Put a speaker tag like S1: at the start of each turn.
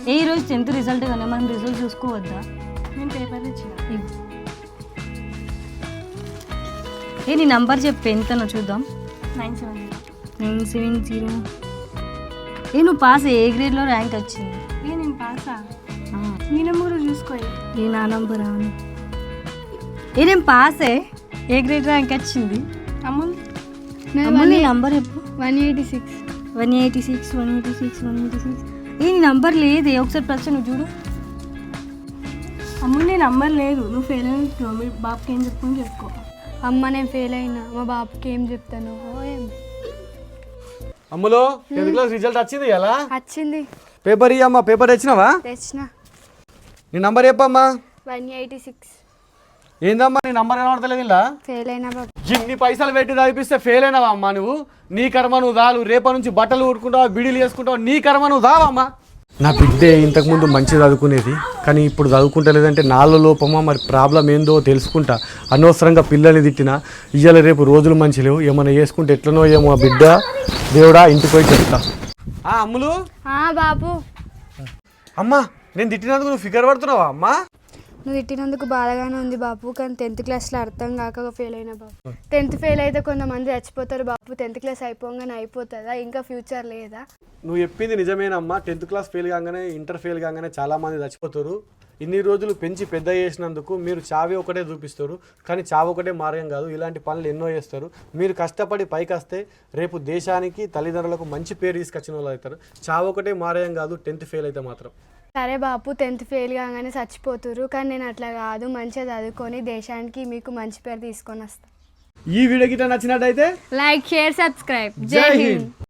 S1: ఏ రోజు 10th result కానీ మనం రిజల్ట్ చూసుకోవద్దా?
S2: నేను పేపర్ ఇచ్చిన.
S1: ఏ నీ నంబర్ చెప్పు ఎంతనో చూద్దాం.
S2: 970.
S1: 970. ఏ నువ్వు పాస్, ఏ గ్రేడ్లో ర్యాంక్ వచ్చింది?
S2: నేను పాసా? నీ నెంబర్ చూసుకో.
S1: ఏ నా నంబర్ అని ఏ నేను పాసే, ఏ గ్రేడ్ ర్యాంక్ వచ్చింది?
S2: అమూల్
S1: నీ నంబర్ చెప్పు.
S2: 186.
S1: 186 186 186. ఏ నీ నంబర్ లేదే, ఒకసారి ప్రశ్న నువ్వు చూడు.
S2: అమ్ముల్ నీ నంబర్ లేదు, నువ్వు ఫెయిల్ అయినట్టు మీ బాబుకి ఏం చెప్పుకొని చెప్పుకో.
S3: అమ్మ నేను ఫెయిల్ అయినా, మా బాబుకి ఏం చెప్తాను?
S4: అమ్ములో 10th క్లాస్ రిజల్ట్ వచ్చింది ఎలా?
S3: వచ్చింది.
S4: పేపర్ ఇయ్యమ్మా. పేపర్ తెచ్చినావా?
S3: తెచ్చిన.
S4: నీ నంబర్ చెప్పమ్మా.
S3: 186.
S4: ఏందమ్మా నీ నంబర్ కనబడతలేదు ఇలా?
S3: ఫెయిల్ అయినా బాబు.
S4: ఇన్ని పైసలు పెట్టి చదివిస్తే ఫెయిల్ అయినావా అమ్మా నువ్వు? నీ కర్మ నువ్వు దాలు. రేపటి నుంచి బట్టలు ఉడుకుంటావు, బిడీలు వేసుకుంటావు, నీ కర్మ నువ్వు దావమ్మా. నా బిడ్డే ఇంతకుముందు మంచిగా చదువుకునేది, కానీ ఇప్పుడు చదువుకుంటలేదంటే నాలో లోపమా మరి ప్రాబ్లం ఏందో తెలుసుకుంటా. అనవసరంగా పిల్లల్ని తిట్టినా ఇయ్యాల రేపు రోజులు మంచి లేవు, ఏమైనా చేసుకుంటే ఎట్లనో ఏమో బిడ్డ. దేవుడా ఇంటికి పోయి చెప్తా. అమ్ములు.
S3: బాబు
S4: అమ్మా నేను తిట్టినందుకు నువ్వు ఫిగర్ పడుతున్నావా అమ్మా?
S3: నువ్వు తిట్టినందుకు బాధగానే ఉంది బాబు, కానీ 10th క్లాస్లో అర్థం కాక ఫెయిల్ అయినా బాబు. 10th ఫెయిల్ అయితే కొంతమంది చచ్చిపోతారు బాబు. 10th క్లాస్ అయిపోగానే అయిపోతుందా? ఇంకా ఫ్యూచర్ లేదా?
S4: నువ్వు చెప్పింది నిజమేనమ్మా. 10th క్లాస్ ఫెయిల్ కాగానే, ఇంటర్ ఫెయిల్ కాగానే చాలామంది చచ్చిపోతారు. ఇన్ని రోజులు పెంచి పెద్ద చేసినందుకు మీరు చావి ఒకటే చూపిస్తారు, కానీ చావు ఒకటే మార్గం కాదు. ఇలాంటి పనులు ఎన్నో చేస్తారు. మీరు కష్టపడి పైకి వస్తే రేపు దేశానికి, తల్లిదండ్రులకు మంచి పేరు తీసుకొచ్చిన వాళ్ళు అవుతారు. చావు ఒకటే మార్గం కాదు 10th ఫెయిల్ అయితే మాత్రం.
S3: సరే బాపు, 10th ఫెయిల్ కాగానే చచ్చిపోతురు, కానీ నేను అట్లా కాదు, మంచిగా చదువుకొని దేశానికి మీకు మంచి పేరు తీసుకొని వస్తాను.
S4: ఈ వీడియో గిట్ట నచ్చినట్టయితే
S3: లైక్, షేర్, సబ్స్క్రైబ్.
S4: జై హింద్.